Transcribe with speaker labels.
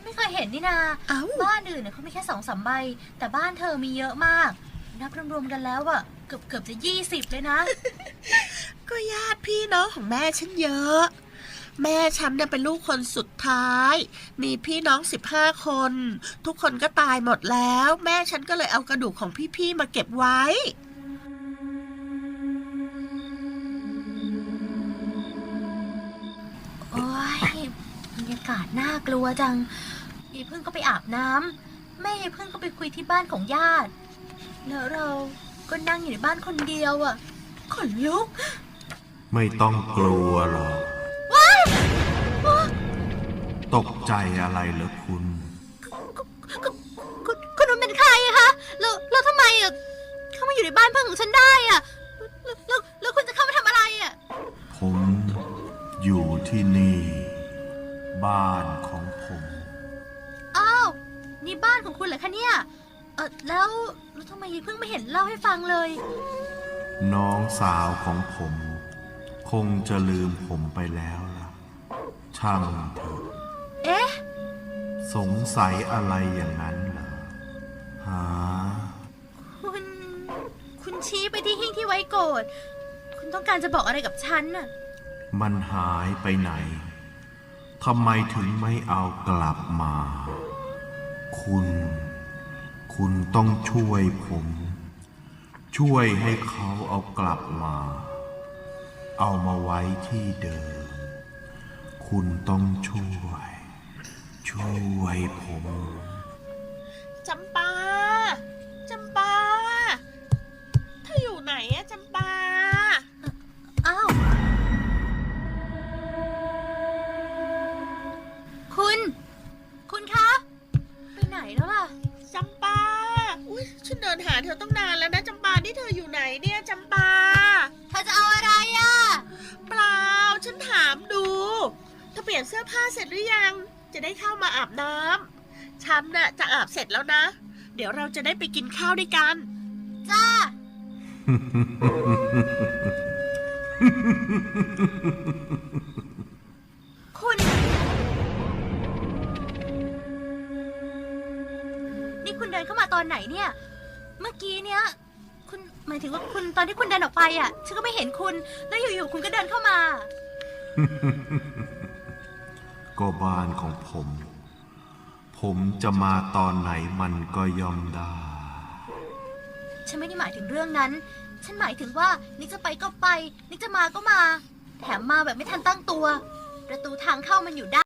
Speaker 1: ไม่เคยเห็นนี่นาบ้านอื่นเนี่ยเขามีแค่2-3 ใบแต่บ้านเธอมีเยอะมากนับรวมๆกันแล้วอะเกือบจะ20เลยนะ
Speaker 2: ก็ญาติพี่น้องของแม่ฉันเยอะแม่ฉันเนี่ยเป็นลูกคนสุดท้ายมีพี่น้อง15 คนทุกคนก็ตายหมดแล้วแม่ฉันก็เลยเอากระดูกของพี่ๆมาเก็บไว้
Speaker 1: โอ้ยบรรยากาศน่ากลัวจังยายพึ่งก็ไปอาบน้ำแม่ยายพึ่งก็ไปคุยที่บ้านของญาติแล้วเราก็นั่งอยู่ในบ้านคนเดียวอะขนลุก
Speaker 3: ไม่ต้องกลัวหรอกตกใจอะไรเหรอคุณ
Speaker 1: คุณนุ่นเป็นใครอะคะแล้วทำไมอะเข้ามาอยู่ในบ้านเพื่อนของฉันได้อะแล้วคุณจะเข้ามาทำอะไรอะ
Speaker 3: ผมอยู่ที่นี่บ้านของผม
Speaker 1: อ้าวนี่บ้านของคุณเหรอคะเนี่ยแล้วทำไมเพิ่งไม่เห็นเล่าให้ฟังเลย
Speaker 3: น้องสาวของผมคงจะลืมผมไปแล้วล่ะช่างเถอะ
Speaker 1: เอ๊ะ
Speaker 3: สงสัยอะไรอย่างนั้นเหรอหา
Speaker 1: คุณชี้ไปที่หิ้งที่ไว้โกรธคุณต้องการจะบอกอะไรกับฉันน่ะ
Speaker 3: มันหายไปไหนทำไมถึงไม่เอากลับมาคุณต้องช่วยผมช่วยให้เขาเอากลับมาเอามาไว้ที่เดิมคุณต้องช่วยผม
Speaker 2: จำปาเธออยู่ไหนอะจำปา
Speaker 1: อ้าวคุณคะไปไหนแล้วล่ะ
Speaker 2: จำปาอุ๊ยฉันเดินหาเธอต้องนานแล้วนะจำปานี่เธออยู่ไหนเนี่ยจำปา
Speaker 1: เธอจะเอาอะไรอะ
Speaker 2: เปล่าฉันถามดูเธอเปลี่ยนเสื้อผ้าเสร็จหรือยังจะได้เข้ามาอาบน้ำฉันน่ะจะอาบเสร็จแล้วนะเดี๋ยวเราจะได้ไปกินข้าวด้วยกัน
Speaker 1: จ้า คุณนี่คุณเดินเข้ามาตอนไหนเนี่ยเมื่อกี้เนี้ยคุณหมายถึงว่าคุณตอนที่คุณเดินออกไปอ่ะฉันก็ไม่เห็นคุณแล้วอยู่ๆคุณก็เดินเข้ามา
Speaker 3: ก็บ้านของผมจะมาตอนไหนมันก็ย่อมได้
Speaker 1: ฉันไม่ได้หมายถึงเรื่องนั้นฉันหมายถึงว่านิกจะไปก็ไปนิกจะมาก็มาแถมมาแบบไม่ทันตั้งตัวประตูทางเข้ามันอยู่ด้าน